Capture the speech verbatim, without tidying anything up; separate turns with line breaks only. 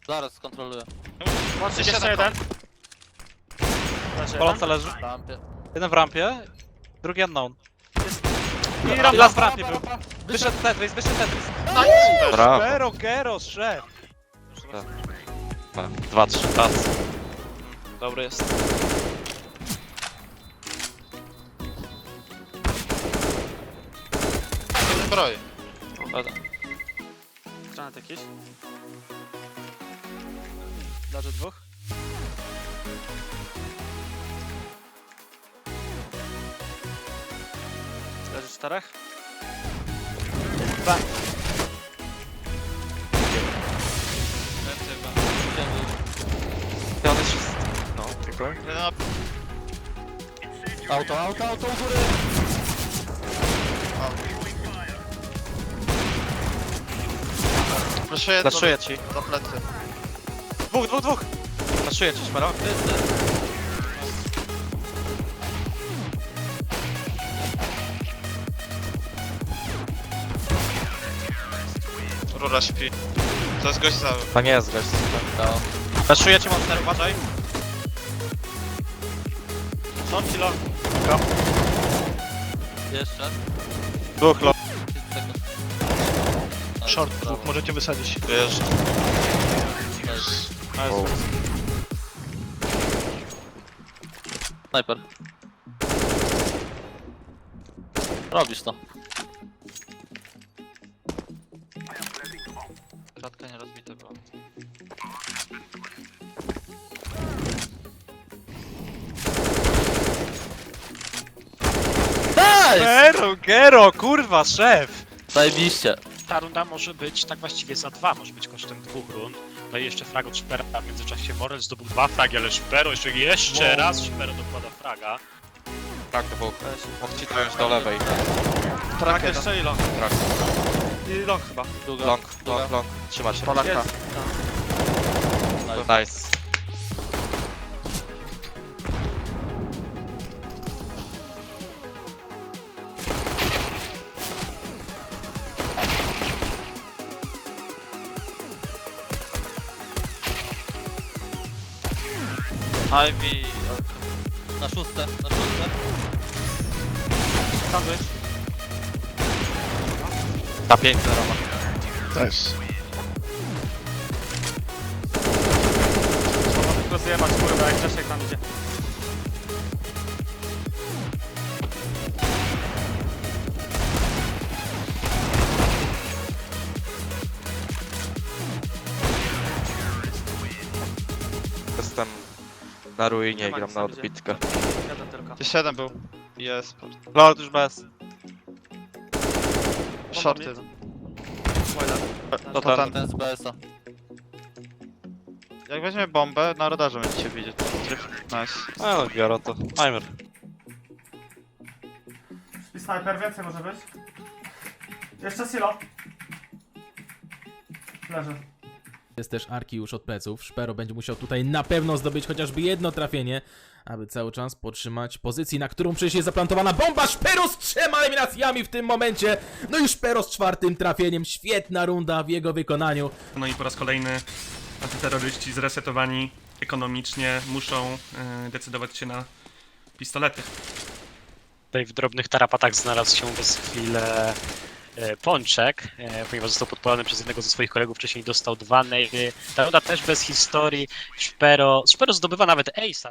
Zaraz skontroluję.
Łącznie jeszcze jeden.
Polonca leży.
W rampie.
Jeden w rampie, drugi unknown.
I
I
rampa.
las w rampie był. Wyszedł Tetris, wyszedł Tetris.
Brawo.
Gero, Gero, szef.
Dwa, trzy, raz.
Dobry jest.
Zbroj.
Dobra.
Granat jakiś.
Leży dwóch.
Leży czterech.
Więcej chyba.
I on jest wszyscy. No, tylko.
Auto, auto, auto u góry!
Proszę
Zaszuję ci.
za plecy.
Dwóch, dwóch, dwóch. Zaszuję ci, Szmero.
Rura śpi. To jest gość cały.
To nie jest gość.
No.
Zaszuję ci monster, uważaj.
Short i long.
Jeszcze.
Dwóch lo.
trzydzieści sekund.
Short,
Brawo.
dwóch możecie wysadzić.
Wiesz.
Nice.
Wow.
Sniper. Robisz to.
Kratka nie rozbita była.
Nice!
Gero, Gero, kurwa, szef.
Zajebiście.
Ta runda może być tak właściwie za dwa, może być kosztem dwóch rund. No i jeszcze frag od Szpera, a w międzyczasie Morel zdobył dwa fragi, ale Szpero jeszcze, jeszcze raz Szpero dokłada fraga.
Tak, dwóch. Mógł ci trąć do lewej.
Trak jeszcze i long.
Trak.
I long chyba.
Długa.
Long,
Długa.
long, long. Trzyma się.
Polaka.
Nice.
Nice.
Ivy. Na szóste, na szóste.
Sandwich.
Na pięć zero.
Nice. Można tylko zjebać kurwa, jak Grzesiek tam idzie.
Jestem na ruinie
Nie
i
ma
gram
nic
na
tam, gdzie.
odbitkę.
Jeden tylko.
Jeszcze jeden był. Jest.
Lord już bez.
Short
mid.
jeden.
Spoiler.
To
To
ten.
ten.
Ten z B S a.
Jak weźmiemy bombę, na radarze będziecie widzieć. Tryf. Nice.
No, no, Gero to. Timer.
I snajper, więcej może być. Jeszcze silo. Leży.
Jest też Arki już od pleców. Szpero będzie musiał tutaj na pewno zdobyć chociażby jedno trafienie, aby cały czas podtrzymać pozycji, na którą przecież jest zaplantowana bomba. Szpero z trzema eliminacjami w tym momencie. No i Szpero z czwartym trafieniem. Świetna runda w jego wykonaniu.
No i po raz kolejny antyterroryści zresetowani ekonomicznie muszą y, decydować się na pistolety.
Tutaj w drobnych tarapatach znalazł się przez chwilę e, Pączek, e, ponieważ został podpalony przez jednego ze swoich kolegów, wcześniej dostał dwa nejdy. Ta runda też bez historii. Szpero, Szpero zdobywa nawet ace'a.